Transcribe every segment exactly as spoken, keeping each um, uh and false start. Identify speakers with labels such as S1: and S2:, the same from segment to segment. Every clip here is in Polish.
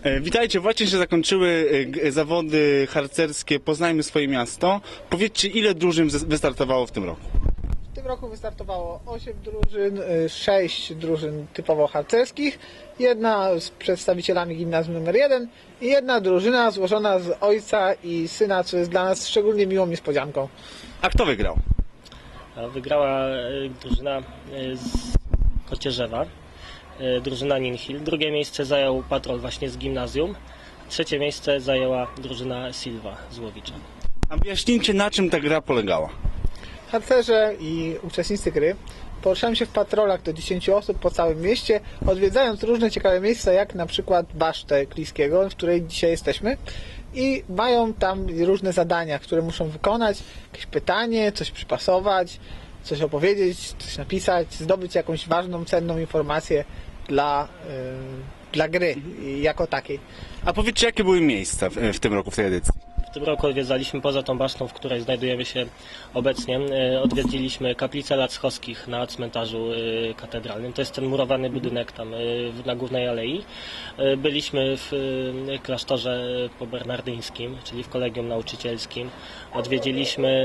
S1: E, Witajcie, właśnie się zakończyły e, g- zawody harcerskie Poznajmy swoje miasto. Powiedzcie, ile drużyn wys- wystartowało w tym roku?
S2: W tym roku wystartowało osiem drużyn, y, sześć drużyn typowo harcerskich, jedna z przedstawicielami gimnazjum numer jeden i jedna drużyna złożona z ojca i syna, co jest dla nas szczególnie miłą niespodzianką.
S1: A kto wygrał?
S3: A Wygrała e, drużyna e, z Kocierzewa, e, drużyna Ninhill. Drugie miejsce zajął patrol właśnie z gimnazjum. Trzecie miejsce zajęła drużyna Silva z Łowicza.
S1: A wyjaśnijcie, na czym ta gra polegała.
S2: Harcerze i uczestnicy gry poruszają się w patrolach do dziesięciu osób po całym mieście, odwiedzając różne ciekawe miejsca, jak na przykład Basztę Kliskiego, w której dzisiaj jesteśmy, i mają tam różne zadania, które muszą wykonać, jakieś pytanie, coś przypasować, coś opowiedzieć, coś napisać, zdobyć jakąś ważną, cenną informację dla, yy, dla gry jako takiej.
S1: A powiedzcie, jakie były miejsca w, w tym roku w tej edycji?
S3: W tym roku odwiedzaliśmy poza tą basztą, w której znajdujemy się obecnie, e, odwiedziliśmy kaplicę Lackowskich na cmentarzu e, katedralnym. To jest ten murowany budynek tam e, w- na głównej alei. E, Byliśmy w e, klasztorze pobernardyńskim, czyli w kolegium nauczycielskim. Odwiedziliśmy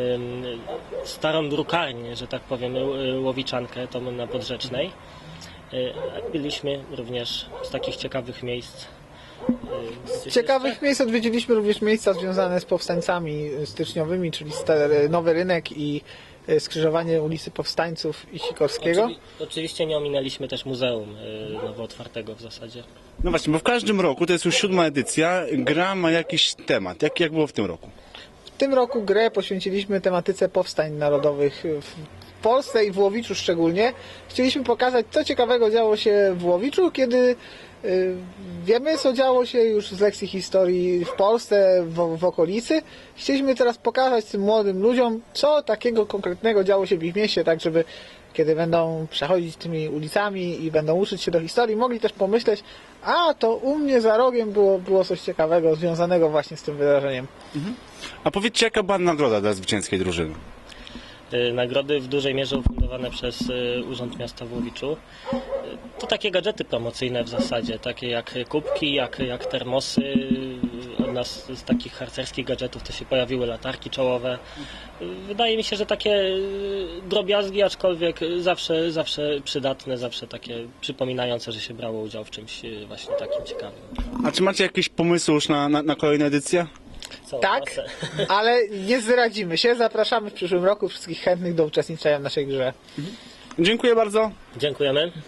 S3: e, starą drukarnię, że tak powiem, e, Łowiczankę, tą na Podrzecznej. E, Byliśmy również z takich ciekawych miejsc. e,
S2: Z ciekawych miejsc odwiedziliśmy również miejsca związane z powstańcami styczniowymi, czyli Stary- Nowy Rynek i e, skrzyżowanie ulicy Powstańców i Sikorskiego.
S3: Oczywi- oczywiście nie ominęliśmy też muzeum y, nowo otwartego w zasadzie.
S1: No właśnie, bo w każdym roku, to jest już siódma edycja, gra ma jakiś temat. Jak, jak było w tym roku?
S2: W tym roku grę poświęciliśmy tematyce powstań narodowych w Polsce i w Łowiczu szczególnie. Chcieliśmy pokazać, co ciekawego działo się w Łowiczu, kiedy y, wiemy, co działo się już z lekcji historii w Polsce, w, w okolicy. Chcieliśmy teraz pokazać tym młodym ludziom, co takiego konkretnego działo się w ich mieście, tak żeby kiedy będą przechodzić tymi ulicami i będą uczyć się do historii, mogli też pomyśleć, a to u mnie za rogiem było, było coś ciekawego związanego właśnie z tym wydarzeniem.
S1: A powiedzcie, jaka była nagroda dla zwycięskiej drużyny?
S3: Y, Nagrody w dużej mierze ufundowane przez y, Urząd Miasta w Łowiczu. Y, To takie gadżety promocyjne w zasadzie, takie jak kubki, jak, jak termosy. Y, Od nas z takich harcerskich gadżetów to się pojawiły latarki czołowe. Y, Wydaje mi się, że takie y, drobiazgi, aczkolwiek zawsze, zawsze przydatne, zawsze takie przypominające, że się brało udział w czymś y, właśnie takim ciekawym.
S1: A czy macie jakieś pomysły już na, na, na kolejne edycje?
S3: Całą
S2: Tak,
S3: masę.
S2: ale nie zdradzimy się. Zapraszamy w przyszłym roku wszystkich chętnych do uczestniczenia w naszej grze.
S1: Dziękuję bardzo.
S3: Dziękujemy.